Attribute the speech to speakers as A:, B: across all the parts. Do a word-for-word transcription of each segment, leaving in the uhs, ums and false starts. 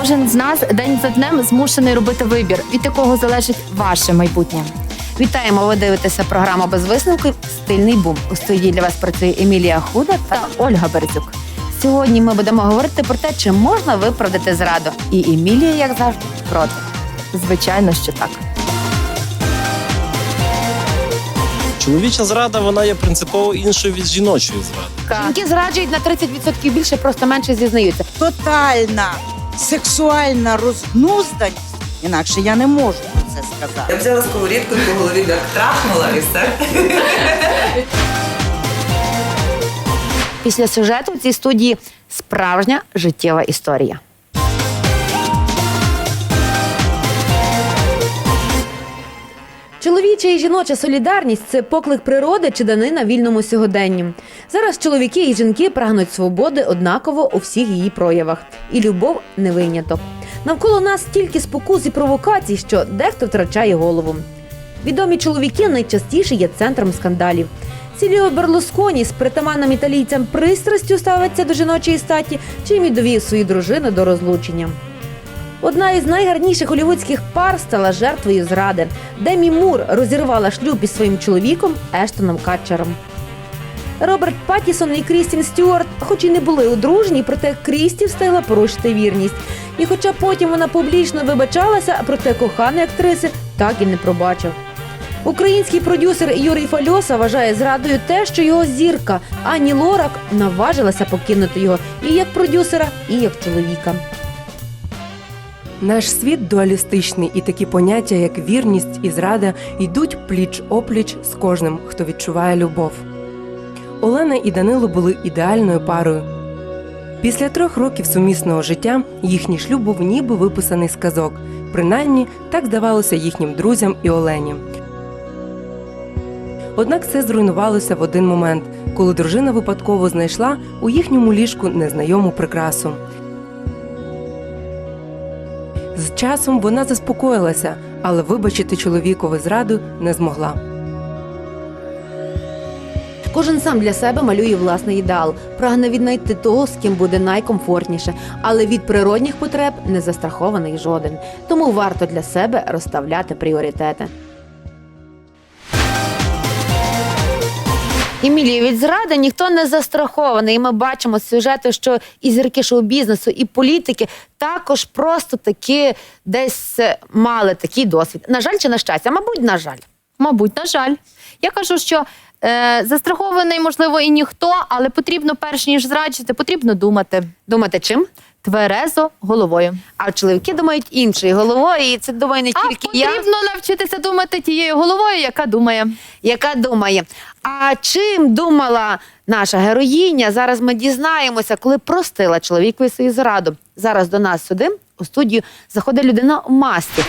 A: Кожен з нас день за днем змушений робити вибір, від якого залежить ваше майбутнє.
B: Вітаємо, ви дивитеся програму «Без висновків. Стильний бум». У студії для вас працює Емілія Худа та Ольга Березюк. Сьогодні ми будемо говорити про те, чи можна виправдати зраду. І Емілія, як завжди, проти.
A: Звичайно, що так.
C: Чоловіча зрада, вона є принципово іншою від жіночої зради.
B: Жінки зраджують на тридцять відсотків більше, просто менше зізнаються.
D: Тотальна сексуальна розгнузданість, інакше я не можу про це сказати.
E: Я взяла сковорідку і по голові як трахнула і все.
B: Після сюжету в цій студії справжня життєва історія.
F: Чоловіча і жіноча солідарність – це поклик природи чи данина вільному сьогоденню. Зараз чоловіки і жінки прагнуть свободи однаково у всіх її проявах. І любов – не виняток. Навколо нас стільки спокус і провокацій, що дехто втрачає голову. Відомі чоловіки найчастіше є центром скандалів. Сільвіо Берлусконі з притаманним італійцям пристрастю ставиться до жіночої статі, чим і довів свою дружину до розлучення. Одна із найгарніших голлівудських пар стала жертвою зради. Демі Мур розірвала шлюб із своїм чоловіком Ештоном Катчером. Роберт Паттісон і Крістін Стюарт, хоч і не були одружені, проте Крісті встигла порушити вірність. І хоча потім вона публічно вибачалася, проте коханий актриси так і не пробачив. Український продюсер Юрій Фальоса вважає зрадою те, що його зірка Ані Лорак наважилася покинути його і як продюсера, і як чоловіка.
G: Наш світ дуалістичний, і такі поняття, як вірність і зрада, йдуть пліч-опліч з кожним, хто відчуває любов. Олена і Данило були ідеальною парою. Після трьох років сумісного життя їхній шлюб був ніби виписаний з казок. Принаймні, так здавалося їхнім друзям і Олені. Однак все зруйнувалося в один момент, коли дружина випадково знайшла у їхньому ліжку незнайому прикрасу. З часом вона заспокоїлася, але вибачити чоловікові зраду не змогла.
F: Кожен сам для себе малює власний ідеал, прагне віднайти того, з ким буде найкомфортніше, але від природних потреб не застрахований жоден. Тому варто для себе розставляти пріоритети.
B: Емілія, від зради ніхто не застрахований. І ми бачимо з сюжету, що і зірки шоу-бізнесу, і політики також просто таки десь мали такий досвід. На жаль чи на щастя? Мабуть, на жаль.
A: Мабуть, на жаль. Я кажу, що е, застрахований, можливо, і ніхто, але потрібно, перш ніж зраджувати, потрібно думати.
B: Думати чим?
A: Тверезо головою.
B: А чоловіки думають іншою головою, і це думає не
A: А
B: тільки я,
A: потрібно навчитися думати тією головою, яка думає.
B: яка думає. А чим думала наша героїня? Зараз ми дізнаємося, коли простила чоловікові свою зраду. Зараз до нас сюди, у студію, заходить людина в масці.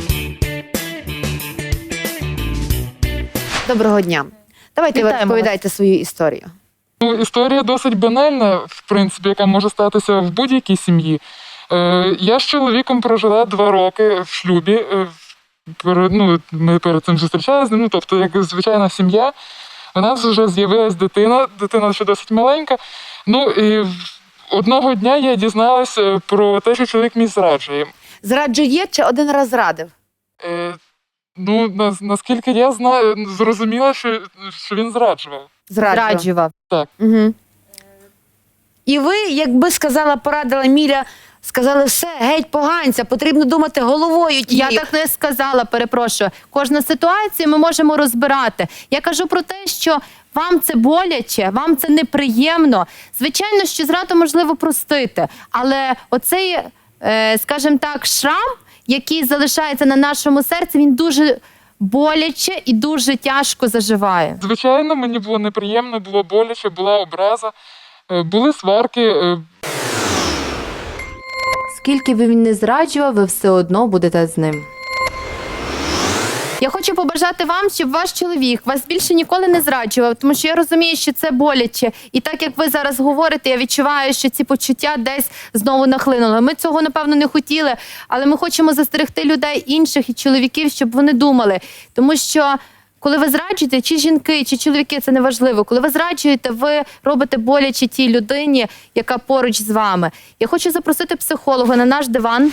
B: Доброго дня. Давайте ви
A: Вітаємо
B: розповідайте свою історію.
H: Ну, історія досить банальна, в принципі, яка може статися в будь-якій сім'ї. Е, я з чоловіком прожила два роки в шлюбі. Е, перед, ну, ми перед цим зустрічалися, ну, тобто, як звичайна сім'я. У нас вже з'явилась дитина, дитина ще досить маленька. Ну, і одного дня я дізналася про те, що чоловік мій зраджує.
B: Зраджує чи один раз зрадив?
H: Е, ну, на, наскільки я знаю, зрозуміла, що, що він зраджував.
B: Зраджував.
A: Зраджував.
H: Так.
B: Угу. І ви, якби сказала, порадила Міля, сказали, все, геть поганця, потрібно думати головою.
A: Я
B: тією.
A: так не сказала, перепрошую. Кожна ситуація ми можемо розбирати. Я кажу про те, що вам це боляче, вам це неприємно. Звичайно, що зраду можливо простити, але оцей, е, скажімо так, шрам, який залишається на нашому серці, він дуже боляче і дуже тяжко заживає.
H: Звичайно, мені було неприємно, було боляче, була образа, е, були сварки. е,
A: Скільки би він не зраджував, ви все одно будете з ним. Я хочу побажати вам, щоб ваш чоловік вас більше ніколи не зраджував, тому що я розумію, що це боляче. І так, як ви зараз говорите, я відчуваю, що ці почуття десь знову нахлинули. Ми цього, напевно, не хотіли, але ми хочемо застерегти людей інших і чоловіків, щоб вони думали. Тому що коли ви зраджуєте, чи жінки, чи чоловіки, це не важливо. Коли ви зраджуєте, ви робите боляче тій людині, яка поруч з вами. Я хочу запросити психолога на наш диван.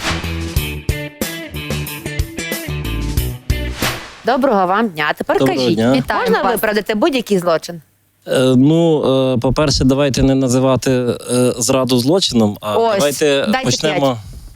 B: Доброго вам дня. Тепер
C: Доброго
B: кажіть,
C: дня.
A: Вітаємо
B: можна
A: вас.
B: виправдати будь-який злочин?
C: Е, ну, е, по-перше, давайте не називати е, зраду злочином, а
B: Ось,
C: давайте
B: дайте
C: почнемо.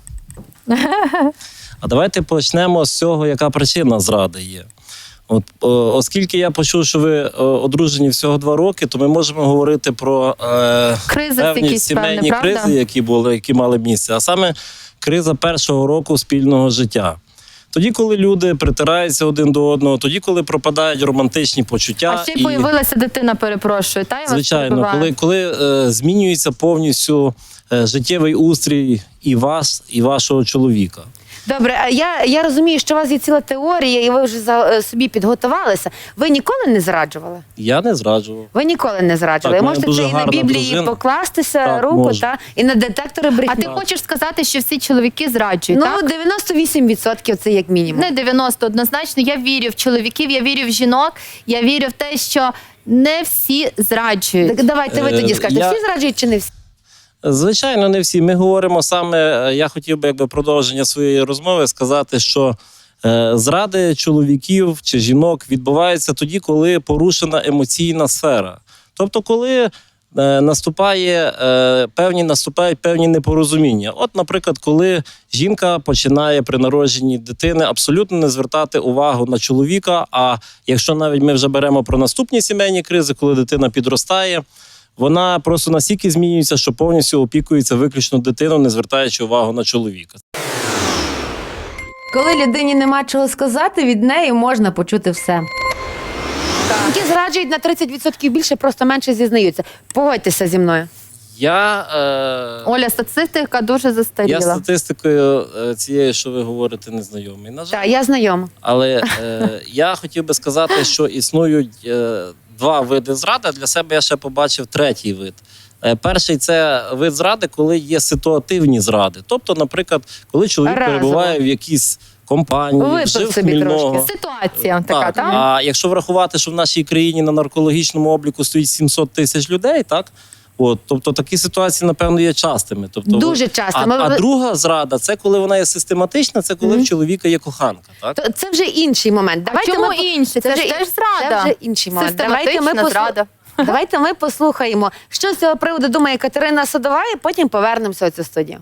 C: А давайте почнемо з цього, яка причина зради є. От, о, оскільки я почув, що ви о, одружені всього два роки, то ми можемо говорити про е,
A: Кризис
C: певні
A: якийсь,
C: сімейні
A: певний, правда?
C: кризи, які були, які мали місце, а саме криза першого року спільного життя. Тоді, коли люди притираються один до одного, тоді, коли пропадають романтичні почуття.
A: А ще й появилася дитина, перепрошую. Та, я вас
C: Звичайно,
A: перебиваю.
C: коли, коли е, змінюється повністю е, життєвий устрій і вас, і вашого чоловіка.
B: Добре, а я, я розумію, що у вас є ціла теорія, і ви вже за, е, собі підготувалися. Ви ніколи не зраджували?
C: Я не зраджував.
B: Ви ніколи не зраджували.
C: Так, в мене
B: Можете
C: дуже
B: це і на
C: гарна
B: Біблії
C: дружина.
B: покластися
C: Так,
B: руку,
C: можу.
B: та, і на детектори брехні.
A: А ти хочеш сказати, що всі чоловіки зраджують,
B: Ну,
A: так?
B: дев'яносто вісім відсотків це як мінімум.
A: Не дев'яносто, однозначно. Я вірю в чоловіків, я вірю в жінок, я вірю в те, що не всі зраджують.
B: Так давайте ви
C: Е,
B: тоді скажете,
C: я-
B: всі зраджують чи не всі?
C: Звичайно, не всі. Ми говоримо саме, е, я хотів би якби продовження своєї розмови сказати, що е, зради чоловіків чи жінок відбуваються тоді, коли порушена емоційна сфера. Тобто, коли е, наступає е, певні наступають певні непорозуміння. От, наприклад, коли жінка починає при народженні дитини абсолютно не звертати увагу на чоловіка. А якщо навіть ми вже беремо про наступні сімейні кризи, коли дитина підростає, вона просто настільки змінюється, що повністю опікується виключно дитиною, не звертаючи увагу на чоловіка.
F: Коли людині нема чого сказати, від неї можна почути все.
B: Які зраджують на тридцять відсотків більше, просто менше зізнаються. Погодьтеся зі мною.
C: Я, е,
A: Оля, статистика дуже
C: я
A: застаріла.
C: статистикою е, цієї, що ви говорите, не знайомий. На жаль.
B: Так, я знайома.
C: Але е, я хотів би сказати, що існують е, два види зради. Для себе я ще побачив третій вид. Е, перший – це вид зради, коли є ситуативні зради. Тобто, наприклад, коли чоловік
B: Разово.
C: перебуває в якійсь компанії,
B: Випив
C: жив
B: собі
C: хмільного.
B: трошки.
A: Ситуація така,
C: Так,
A: так?
C: а якщо врахувати, що в нашій країні на наркологічному обліку стоїть сімсот тисяч людей, так? От, тобто такі ситуації, напевно, є частими. Тобто,
B: Дуже часто.
C: А,
B: Ми-
C: а друга зрада – це коли вона є систематична, це коли
B: Мгм.
C: в чоловіка є коханка. Так?
B: То це вже інший момент.
A: А
B: Давайте
A: чому
B: ми...
A: інший? Це,
B: вже-
A: ж теж зрада.
B: Це вже інший момент. Давайте ми,
A: Систематична
B: послу-
A: зрада.
B: Давайте ми послухаємо, що з цього приводу думає Катерина Садова, і потім повернемося у цю студію.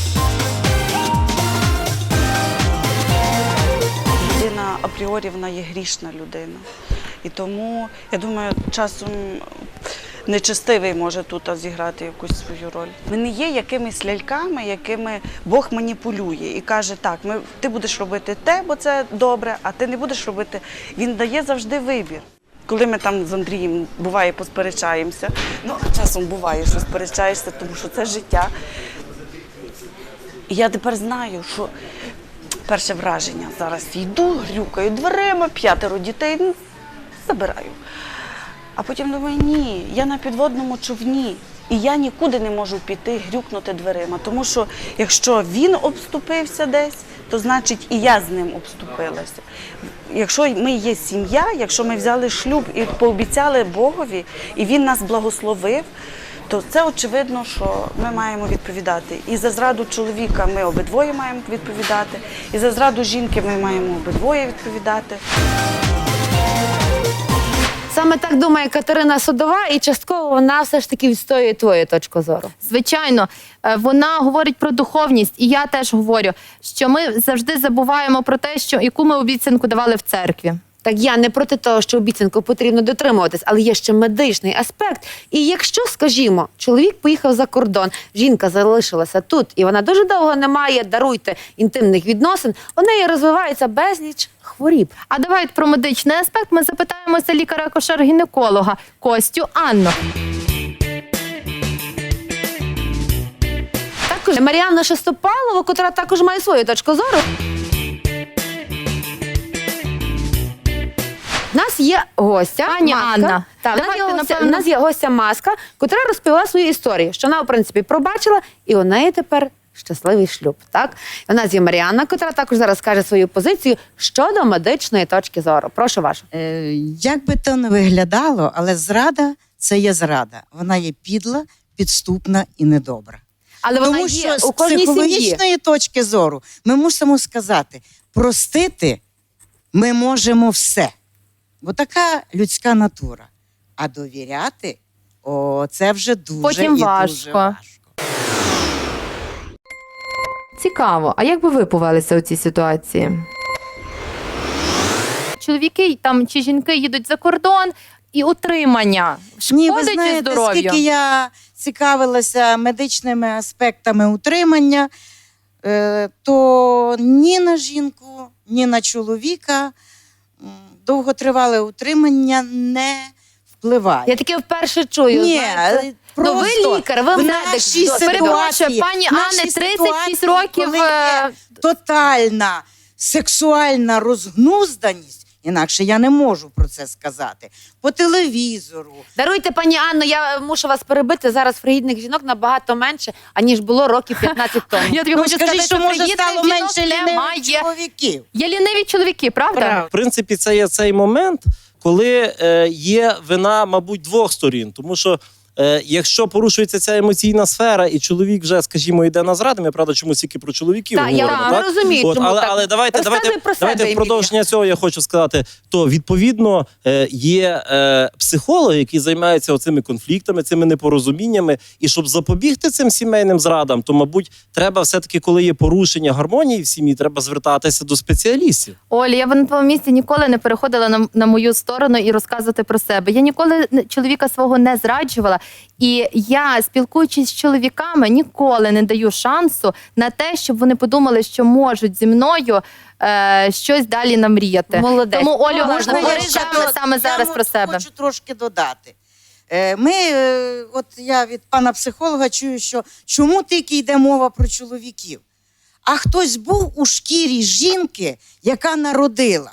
I: Людина апріорі вона є грішна людина. І тому, я думаю, часом нечестивий може тут зіграти якусь свою роль. Ми не є якимись ляльками, якими Бог маніпулює і каже, так, ми, ти будеш робити те, бо це добре, а ти не будеш робити. Він дає завжди вибір. Коли ми там з Андрієм, буває, посперечаємося, ну, часом буває, що сперечаєшся, тому що це життя. І я тепер знаю, що перше враження. Зараз йду, грюкаю дверима, п'ятеро дітей, ну, забираю. А потім думаю, ні, я на підводному човні. І я нікуди не можу піти, грюкнути дверима. Тому що якщо він обступився десь, то значить і я з ним обступилася. Якщо ми є сім'я, якщо ми взяли шлюб і пообіцяли Богові, і він нас благословив, то це очевидно, що ми маємо відповідати. І за зраду чоловіка ми обидвоє маємо відповідати, і за зраду жінки ми маємо обидвоє відповідати.
B: Саме так думає Катерина Садова, і частково вона все ж таки відстоює твою точку зору.
A: Звичайно, е, вона говорить про духовність, і я теж говорю, що ми завжди забуваємо про те, що яку ми обіцянку давали в церкві.
B: Так я не проти того, що обіцянку потрібно дотримуватись, але є ще медичний аспект. І якщо, скажімо, чоловік поїхав за кордон, жінка залишилася тут, і вона дуже довго не має, даруйте, інтимних відносин, у неї розвивається безліч хворіб.
A: А давайте про медичний аспект ми запитаємося лікаря-акушер-гінеколога Костю Анну.
B: Також Мар'яна Шестопалова, котра також має свою точку зору. У нас є гостя,
A: Пані
B: Маска.
A: Анна,
B: Так, у нас,
A: давайте,
B: є гостя,
A: напевно-
B: у нас є гостя Маска, котра розповіла свою історію, що вона, в принципі, пробачила, і у неї тепер щасливий шлюб. Так? У нас є Маріанна, котра також зараз скаже свою позицію щодо медичної точки зору. Прошу вашу.
D: Е, як би то не виглядало, але зрада – це є зрада. Вона є підла, підступна і недобра.
B: Але вона
D: Тому
B: є
D: що
B: у
D: з
B: кожній сім'ї.
D: психологічної точки зору ми мусимо сказати, простити ми можемо все. Бо така людська натура. А довіряти – о, це вже дуже
A: Потім
D: і
A: важко.
D: дуже важко.
F: Цікаво, а як би ви повелися у цій ситуації?
A: Чоловіки там чи жінки їдуть за кордон, і утримання
D: Ні, ви
A: шкодить
D: знаєте,
A: здоров'ю.
D: скільки я цікавилася медичними аспектами утримання, е, то ні на жінку, ні на чоловіка м, довготривале утримання не впливає.
B: Я таке вперше чую.
D: Ні,
B: знаєте.
D: просто
B: Ну, ви лікар, ви
D: в
B: медик.
D: нашій
B: До-
A: Перепрошую,
D: ситуації,
A: пані
D: в нашій
A: Анне, тридцять шість
D: ситуації,
A: років.
D: коли є
A: е,
D: тотальна сексуальна розгнузданість, інакше я не можу про це сказати, по телевізору.
B: Даруйте, пані Анно, я мушу вас перебити. Зараз фригідних жінок набагато менше, аніж було років п'ятнадцять тому.
A: Я тобі
D: Ну,
A: хочу
D: скажіть,
A: сказати,
D: що може
A: фригідних
D: стало
A: жінок
D: менше лінивих
A: немає.
D: чоловіків.
A: Є ліниві чоловіки, правда?
D: Правда.
C: В принципі, це є цей момент, коли е, є вина, мабуть, двох сторін. Тому що е, якщо порушується ця емоційна сфера, і чоловік вже, скажімо, йде на зради, ми, правда, чомусь тільки про чоловіків
B: Так, я
C: говоримо, так?
B: розумію,
C: От,
B: чому
C: але,
B: так.
C: але давайте,
B: Розказуй
C: давайте,
B: про себе,
C: давайте в
B: Емілія.
C: продовження цього я хочу сказати, то, відповідно, е, є е, психологи, які займаються оцими конфліктами, цими непорозуміннями, і щоб запобігти цим сімейним зрадам, то, мабуть, треба все-таки, коли є порушення гармонії в сім'ї, треба звертатися до спеціалістів.
A: Оля, я б на твоєму місці ніколи не переходила на, на мою сторону і розказувати про себе. Я ніколи не- чоловіка свого не зраджувала. І я, спілкуючись з чоловіками, ніколи не даю шансу на те, щоб вони подумали, що можуть зі мною е, щось далі намріяти.
B: Молодець.
A: Тому, Олю,
B: Можна
A: можна
B: я
A: говори
B: ще
A: саме, саме зараз
D: я
A: про себе.
D: хочу трошки додати. Е, Ми, е, от я від пана психолога чую, що чому тільки йде мова про чоловіків? А хтось був у шкірі жінки, яка народила,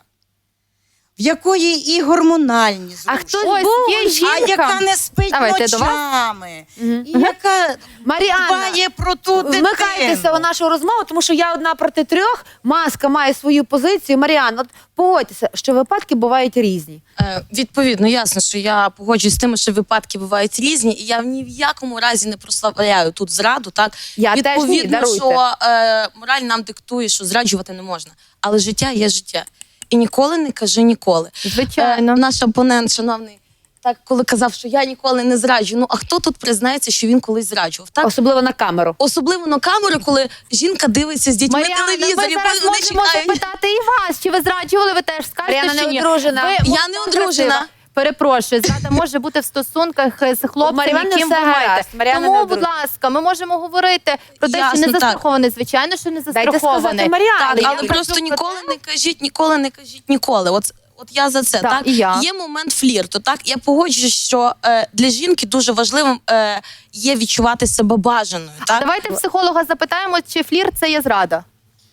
D: в якої і гормональні
B: А
D: зрушення,
B: хтось
A: Ось
B: був,
A: є
D: а
A: жінка.
D: яка не спить
A: Давайте до вас.
D: ночами,
B: Мгм.
D: і яка
B: Маріанна,
D: дбає про ту дитину.
B: вмикайтеся у нашу розмову, тому що я одна проти трьох. Маска має свою позицію. Маріанна, от погодьтеся, що випадки бувають різні.
J: Е, Відповідно, ясно, що я погоджуюсь з тим, що випадки бувають різні, і я ні в якому разі не прославляю тут зраду. Так
B: Я теж ні,
J: відповідно,
B: даруйте.
J: що е, мораль нам диктує, що зраджувати не можна, але життя є життя. І ніколи не кажи ніколи.
A: Звичайно.
J: Е, наш опонент, шановний, так коли казав, що я ніколи не зраджую. Ну а хто тут признається, що він колись зраджував? Так
B: Особливо на камеру.
J: особливо на камеру, коли жінка дивиться з дітьми
A: Маріанна, ми
J: телевізорі,
A: зараз
J: вони
A: можемо
J: чекають.
A: запитати і вас, чи ви зраджували, ви теж скажете,
B: Мар'яна
A: що
B: не
A: ні.
B: одружена.
A: Ви
J: Я
A: молода,
J: не одружена.
A: красива. Перепрошую, зрада може бути в стосунках з хлопцем,
B: Мар'яна
A: яким ви
B: все
A: маєте.
B: гаразд, Мар'яна не
A: Тому, будь
B: одружена.
A: ласка, ми можемо говорити про те,
J: Ясно,
A: що не
J: так.
A: застрахований. Звичайно, що не
B: Дайте сказати
A: застрахований.
B: Мар'яні.
J: Так,
A: я
J: але
A: кажу
J: просто
A: про
J: ніколи
A: те-
J: не кажіть, ніколи не кажіть ніколи. От, от я за це.
A: Так,
J: Так,
A: і я.
J: Є момент флірту. Так, я погоджуюсь, що е, для жінки дуже важливим е, є відчувати себе бажаною. Так,
A: Давайте психолога запитаємо, чи флірт це є зрада.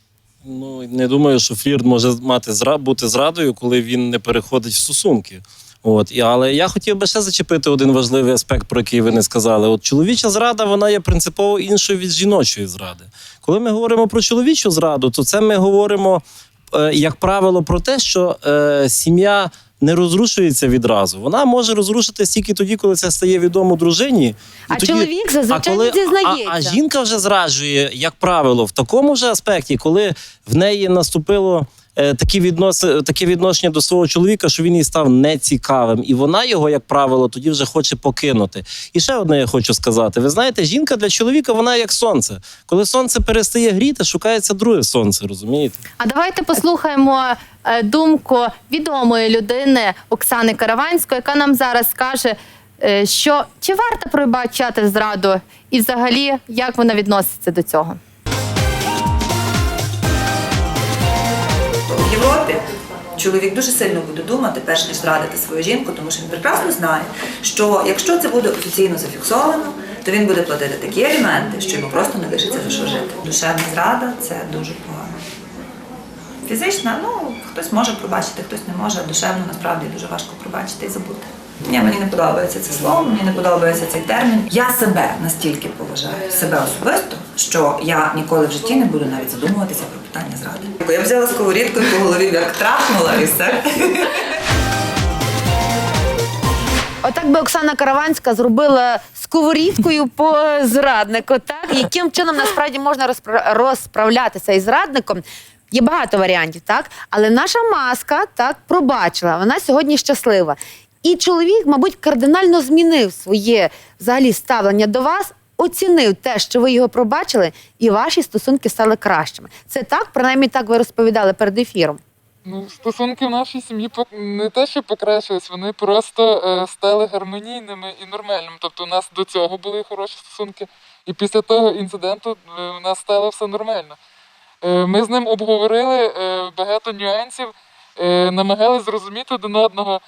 C: Ну, не думаю, що флірт може мати зра... бути зрадою, коли він не переходить в стосунки. От. І, але я хотів би ще зачепити один важливий аспект, про який ви не сказали. От чоловіча зрада, вона є принципово іншою від жіночої зради. Коли ми говоримо про чоловічу зраду, то це ми говоримо, е, як правило, про те, що е, сім'я не розрушується відразу. Вона може розрушитися тільки тоді, коли це стає відомо дружині. І
B: А
C: тоді-
B: чоловік зазвичай
C: а коли,
B: не зізнається.
C: А, а жінка вже зраджує, як правило, в такому ж аспекті, коли в неї наступило е, такі відноси, таке відношення до свого чоловіка, що він їй став нецікавим. І вона його, як правило, тоді вже хоче покинути. І ще одне я хочу сказати. Ви знаєте, жінка для чоловіка, вона як сонце. Коли сонце перестає гріти, шукається друге сонце, розумієте?
A: А давайте послухаємо е, думку відомої людини Оксани Караванської, яка нам зараз скаже, е, що чи варто пробачати зраду і взагалі як вона відноситься до цього.
E: В Європі чоловік дуже сильно буде думати, перш ніж зрадити свою жінку, тому що він прекрасно знає, що якщо це буде офіційно зафіксовано, то він буде платити такі аліменти, що йому просто не лишиться за що жити. Душевна зрада – це дуже погано. Фізична, ну, хтось може пробачити, хтось не може, а душевно насправді дуже важко пробачити і забути. Ні, мені не подобається це слово, мені не подобається цей термін. Я себе настільки поважаю, себе особисто, що я ніколи в житті не буду навіть задумуватися про питання зради. Я взяла сковорідку і по голові як трахнула і все.
B: Отак би Оксана Караванська зробила сковорідкою по зраднику, так? Яким чином насправді можна розпра- розправлятися із зрадником? Є багато варіантів, так? Але наша маска так пробачила, вона сьогодні щаслива. І чоловік, мабуть, кардинально змінив своє взагалі ставлення до вас, оцінив те, що ви його пробачили, і ваші стосунки стали кращими. Це так? Принаймні так ви розповідали перед ефіром.
H: Ну, стосунки в нашій сім'ї пок- не те, що покращились, вони просто е, стали гармонійними і нормальними. Тобто у нас до цього були хороші стосунки, і після того інциденту е, у нас стало все нормально. Е, ми з ним обговорили е, багато нюансів, е, намагалися зрозуміти один одного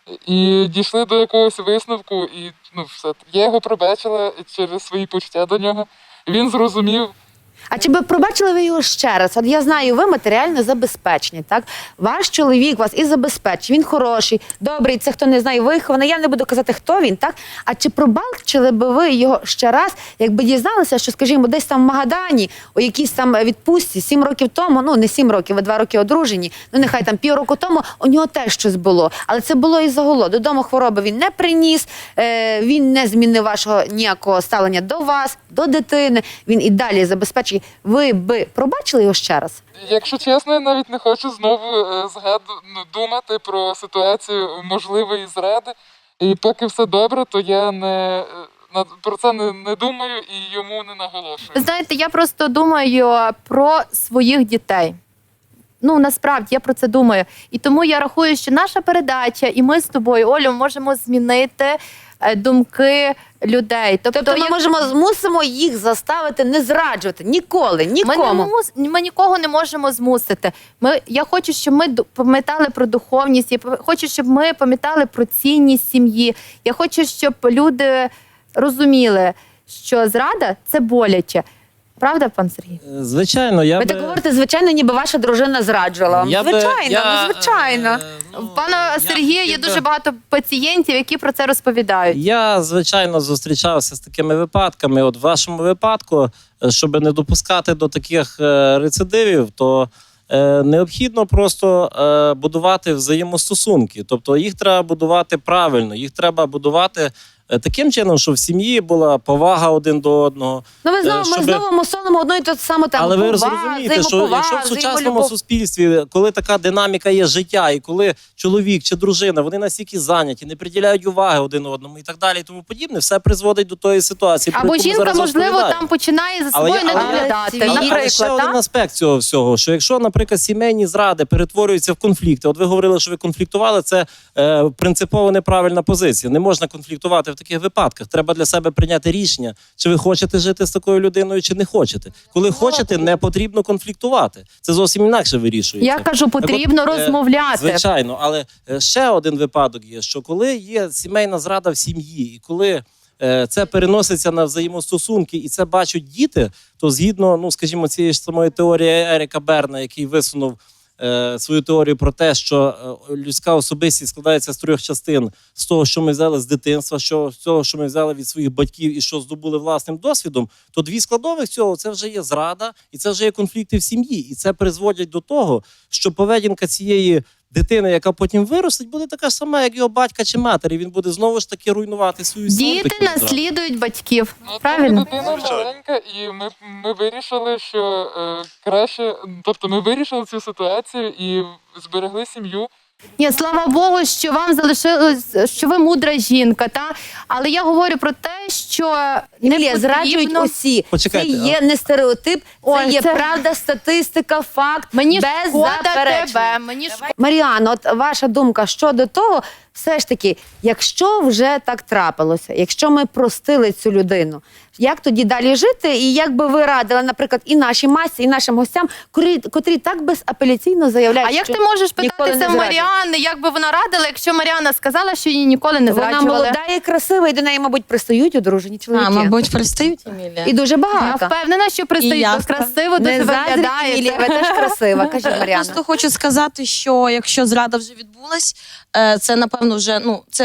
H: і дійшли до якогось висновку. І ну, все. Я його пробачила через свої почуття до нього. Він зрозумів.
B: А чи би пробачили ви його ще раз? От я знаю, ви матеріально забезпечені, так? Ваш чоловік вас і забезпечить, він хороший, добрий, це хто не знає, вихований, я не буду казати, хто він, так? А чи пробачили би ви його ще раз, якби дізналися, що, скажімо, десь там в Магадані, у якійсь там відпустці, сім років тому, ну не сім років, ви два роки одружені, ну нехай там півроку тому, у нього теж щось було. Але це було із-за голоду. Додому хвороби він не приніс, е, він не змінив вашого ніякого ставлення до вас, до дитини, він і далі забезпечить. Ви би пробачили його ще раз?
H: Якщо чесно, я навіть не хочу знову е, згаду, ну, думати про ситуацію можливої зради. І поки все добре, то я не, е, на, про це не, не думаю і йому не наголошую.
A: Ви знаєте, я просто думаю про своїх дітей. Ну, насправді, я про це думаю. І тому я рахую, що наша передача, і ми з тобою, Олю, можемо змінити е, думки людей. Тобто,
B: Тобто ми
A: як-
B: можемо, змусимо їх заставити не зраджувати ніколи,
A: Ми, не
B: нікому.
A: мус... ми нікого не можемо змусити. Ми... Я хочу, щоб ми ду- пам'ятали про духовність, я п- хочу, щоб ми пам'ятали про цінність сім'ї. Я хочу, щоб люди розуміли, що зрада – це боляче. Правда, пан Сергій?
C: Е, Звичайно, я
B: Ви
C: би...
B: так говорите, звичайно, ніби ваша дружина зраджувала вам.
C: я би-
B: Звичайно,
C: я,
B: ну звичайно.
C: е, ну,
A: В пана
C: я
A: Сергія є
C: хотів би-
A: дуже багато пацієнтів, які про це розповідають.
C: Я, звичайно, зустрічався з такими випадками. От в вашому випадку, е, щоб не допускати до таких е, рецидивів, то е, необхідно просто е, будувати взаємостосунки. Тобто їх треба будувати правильно, їх треба будувати е, таким чином, щоб в сім'ї була повага один до одного.
B: Ну ви
C: Е,
B: знову, ми
C: щоби-
B: знову мусонимо одну і ту саму тему.
C: Але ви
B: Повага,
C: розумієте, що
B: взаємоповага,
C: якщо в сучасному
B: взаємолюбов.
C: суспільстві, коли така динаміка є життя, і коли чоловік чи дружина, вони настільки зайняті, не приділяють уваги один одному і так далі, і тому подібне, все призводить до тої ситуації. про
A: Або
C: яку ми
A: жінка,
C: зараз
A: можливо,
C: розповідаємо.
A: там починає за
C: Але
A: собою
C: я-
A: не
C: але-
A: доглядати.
B: але-
C: Але, але ще
A: Наприклад,
C: один
A: так?
C: аспект цього всього, що якщо, наприклад, сімейні зради перетворюються в конфлікти, от ви говорили, що ви конфліктували, це е, принципово неправильна позиція. Не можна конфліктувати в таких випадках. Треба для себе прийняти рішення, чи ви хочете жити з такою людиною, чи не хочете. Коли хочете, не потрібно конфліктувати. Це зовсім інакше вирішується.
A: Я кажу,
C: Так от,
A: потрібно
C: е,
A: розмовляти.
C: Звичайно, але е, ще один випадок є, що коли є сімейна зрада в сім'ї, і коли е, це переноситься на взаємостосунки, і це бачать діти, то згідно, ну скажімо, цієї ж самої теорії Еріка Берна, який висунув е, свою теорію про те, що е, людська особистість складається з трьох частин: з того, що ми взяли з дитинства, що з того, що ми взяли від своїх батьків і що здобули власним досвідом, то дві складових цього це вже є зрада, і це вже є конфлікти в сім'ї, і це призводять до того, що поведінка цієї дитини, яка потім виростить, буде така ж сама, як його батька чи матері. Він буде знову ж таки руйнувати свою сім'ю.
A: Діти
C: таким зрадом.
A: наслідують батьків.
H: Ну,
A: Правильно?
H: Дитина маленька, і ми, ми вирішили, що е, краще, тобто ми вирішили цю ситуацію і зберегли сім'ю.
A: Ні, слава Богу, що вам залишилось, що ви мудра жінка, та? Але я говорю про те, що не
B: Емілія, зраджують
A: потрібно...
B: усі.
C: Почекайте,
B: це є не стереотип, це
A: Ой,
B: є
A: це-
B: правда, статистика, факт,
A: Мені
B: без
A: шкода
B: заперечень.
A: тебе, мені шкода.
B: Маріано, от ваша думка щодо того, все ж таки, якщо вже так трапилося, якщо ми простили цю людину, як тоді далі жити? І як би ви радили, наприклад, і нашій масі, і нашим гостям, котрі, котрі так безапеляційно заявляють,
A: А як
B: що
A: ти можеш
B: ніколи
A: питатися
B: не
A: в
B: зраджують?
A: Маріани, як би вона радила, якщо Маріана сказала, що її ніколи не
B: Вона
A: зраджували?
B: молода і красива, і до неї, мабуть, пристають одружені чоловіки.
J: А, мабуть, пристають, Емілія.
B: І дуже
A: Я
B: багато.
A: впевнена, що
J: І
A: пристають,
J: я
A: бо красиво дуже
B: Не заздріть,
A: виглядає.
B: Емілія, ви теж красива. Кажіть, Маріана.
J: Просто хочу сказати, що якщо зрада вже відбулась, е, це напевно вже ну це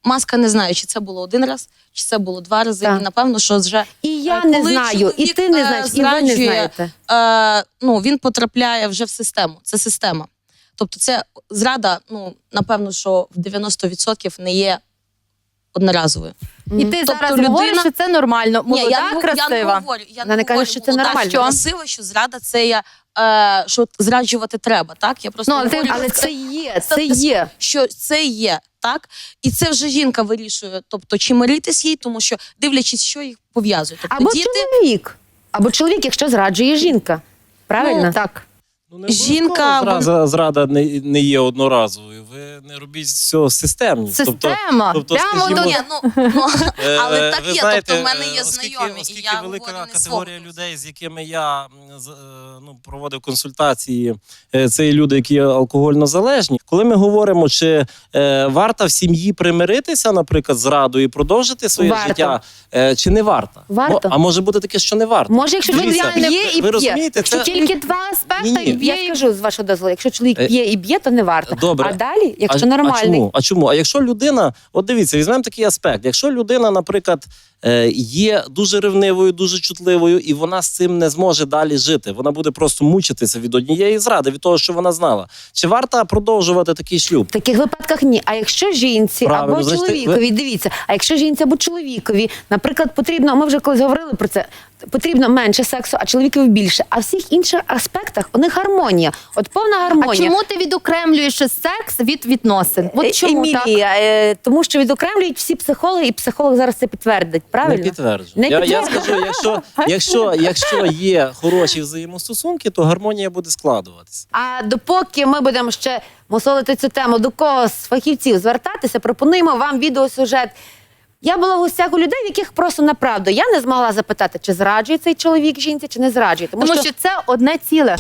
J: маска не знаю, чи це було один раз, чи це було два рази.
B: Так.
J: І напевно, що вже
B: І я
J: Е,
B: не
J: коли
B: знаю, і
J: чоловік,
B: ти не
J: е,
B: знаєш, і ви не
J: зраджує,
B: знаєте.
J: е, ну, він потрапляє вже в систему. Це система. Тобто це зрада, ну, напевно, що в дев'яносто відсотків не є одноразовою.
A: І ти
J: Тобто
A: зараз
J: людина-
A: говориш, що це нормально. Молода,
J: Ні, я не, гов-
A: красива.
J: я не говорю, я
B: Вона не каже,
J: говорю,
B: що це
J: молода,
B: нормально.
J: що красива, що зрада це є, е, що зраджувати треба, так? Я просто
A: Ну, але ти-
J: говорю,
B: Але
J: що
B: це є, це є.
J: що це є, так? І це вже жінка вирішує, тобто чи миритись їй, тому що дивлячись, що їх пов'язує. Тобто
B: Або
J: діти,
B: чоловік. Або чоловік, якщо зраджує жінка. Правильно?
A: Ну, так.
C: Ну, не
J: Жінка,
C: обов'язково зраза, зрада не, не є одноразовою. Ви не робіть з цього системність.
A: Система.
C: тобто,
A: Прямо
C: скажімо,
A: до...
J: ні, ну, ну,
C: Е,
J: але так
C: ви
J: є,
C: знаєте,
J: тобто в мене є
C: е, оскільки-
J: знайомі,
C: оскільки
J: і я
C: велика
J: говорю не
C: категорія
J: свого.
C: людей, з якими я м, з- е, ну, проводив консультації, е, це і люди, які алкогольно залежні. Коли ми говоримо, чи е, варто в сім'ї примиритися, наприклад, з радою і продовжити своє
B: Варто.
C: життя, е, чи не варто?
B: Варто.
C: Мо- А може бути таке, що не варто?
B: Може, якщо чоловік
C: Дивіться,
B: п'є і
C: ви
B: п'є.
C: розумієте,
B: Якщо
C: це-
A: Тільки два аспекти,
C: Ні-ні.
A: і
B: Я
A: б'є, і
B: скажу з вашого дозволу, якщо чоловік
C: Е,
B: п'є і б'є, то не варто.
C: Добре.
B: А далі, якщо
C: а,
B: нормальний.
C: А чому? А чому? А якщо людина, от дивіться, візьмемо такий аспект. Якщо людина, наприклад, е, є дуже ревнивою, дуже чутливою, і вона з цим не зможе далі жити, вона буде просто мучитися від однієї зради, від того, що вона знала. Чи варто продовжувати такий шлюб?
B: В таких випадках ні. А якщо жінці
C: Правильно,
B: або
C: значить,
B: чоловікові, дивіться, а якщо жінці або чоловікові, наприклад, потрібно, ми вже колись говорили про це, потрібно менше сексу, а чоловікові більше. А в всіх інших аспектах у них гармонія. От повна
A: А
B: гармонія.
A: чому ти відокремлюєш секс від відносин?
B: Е,
A: От чому так?
B: Емілія, е, тому що відокремлюють всі психологи, і психолог зараз це підтвердить. Правильно?
C: Не підтверджую.
B: Не
C: я, я
B: підтверджую.
C: скажу, якщо, якщо, якщо є хороші взаємостосунки, то гармонія буде складуватися.
B: А допоки ми будемо ще мусолити цю тему, до кого з фахівців звертатися, пропонуємо вам відеосюжет. Я була в гостях у людей, в яких просто направду я не змогла запитати, чи зраджує цей чоловік жінці, чи не зраджує. Тому,
A: Тому що це одне ціле.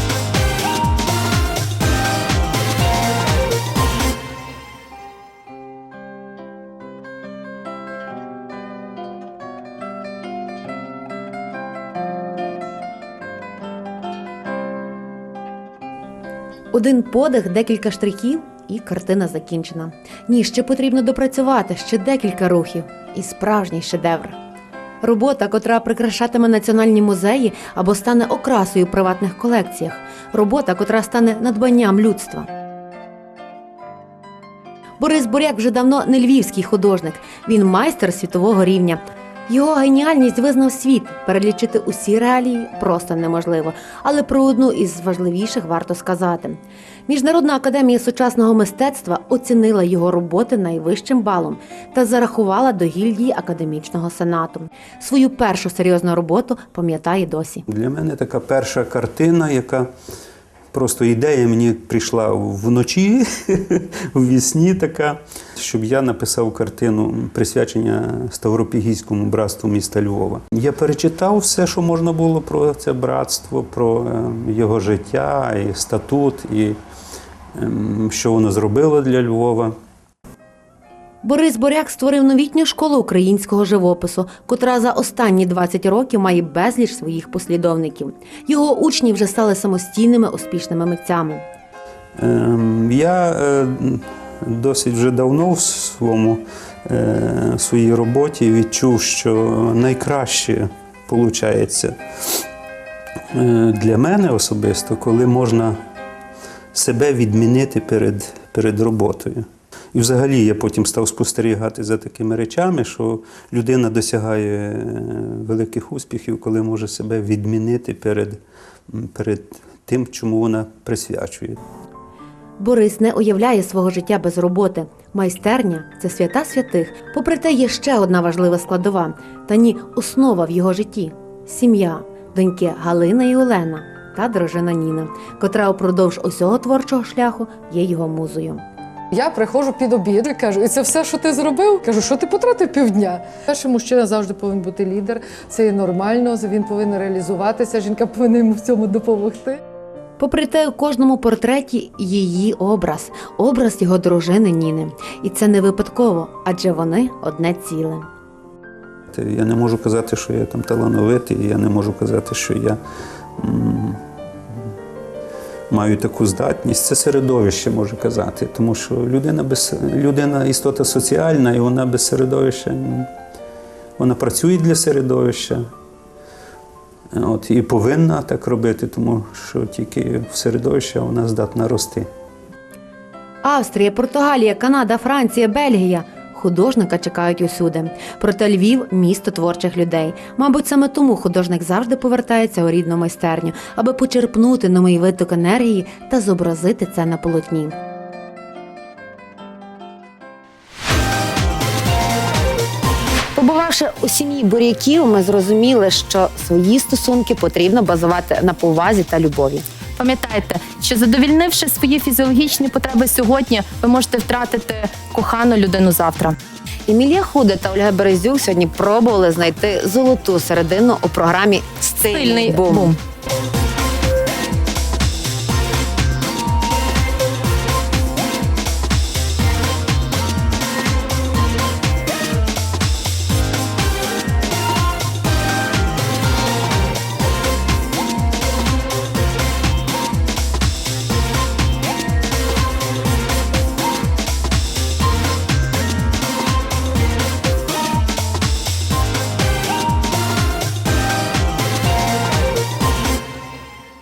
F: Один подих, декілька штрихів, і картина закінчена. Ні, ще потрібно допрацювати, ще декілька рухів. І справжній шедевр. Робота, котра прикрашатиме національні музеї або стане окрасою в приватних колекціях. Робота, котра стане надбанням людства. Борис Буряк вже давно не львівський художник. Він майстер світового рівня. Його геніальність визнав світ. Перелічити усі реалії просто неможливо. Але про одну із важливіших варто сказати. Міжнародна академія сучасного мистецтва оцінила його роботи найвищим балом та зарахувала до гільдії академічного сенату. Свою першу серйозну роботу пам'ятає досі.
K: Для мене така перша картина, яка просто ідея мені прийшла вночі, у вісні така, щоб я написав картину присвячення Ставропігійському братству міста Львова. Я перечитав все, що можна було про це братство, про його життя, і статут, і що воно зробило для Львова.
F: Борис Буряк створив новітню школу українського живопису, котра за останні двадцять років має безліч своїх послідовників. Його учні вже стали самостійними успішними митцями.
K: Я досить вже давно в своєму, в своїй роботі відчув, що найкраще виходить для мене особисто, коли можна себе відмінити перед, перед роботою. І взагалі я потім став спостерігати за такими речами, що людина досягає великих успіхів, коли може себе відмінити перед, перед тим, чому вона присвячує.
F: Борис не уявляє свого життя без роботи. Майстерня – це свята святих. Попри те, є ще одна важлива складова, та ні, основа в його житті – сім'я, доньки Галина і Олена та дружина Ніна, котра упродовж усього творчого шляху є його музою.
L: Я приходжу під обід і кажу, і це все, що ти зробив? Кажу, що ти потратив півдня? Перший мужчина завжди повинен бути лідер, це є нормально, він повинен реалізуватися, жінка повинна йому в цьому допомогти.
F: Попри те, у кожному портреті її образ, образ його дружини Ніни. І це не випадково, адже вони одне ціле.
K: Я не можу казати, що я там талановитий, я не можу казати, що я м- мають таку здатність. Це середовище, можу казати, тому що людина, без, людина істота соціальна, і вона без середовища, вона працює для середовища. От, і повинна так робити, тому що тільки в середовищі вона здатна рости.
F: Австрія, Португалія, Канада, Франція, Бельгія. Художника чекають усюди. Проте Львів – місто творчих людей. Мабуть, саме тому художник завжди повертається у рідну майстерню, аби почерпнути новий виток енергії та зобразити це на полотні.
B: Побувавши у сім'ї Буряків, ми зрозуміли, що свої стосунки потрібно базувати на повазі та любові.
A: Пам'ятайте, що задовільнивши свої фізіологічні потреби сьогодні, ви можете втратити кохану людину завтра.
B: Емілія Худа та Ольга Березюк сьогодні пробували знайти золоту середину у програмі «Стильний,
A: Стильний
B: бум».
A: бум.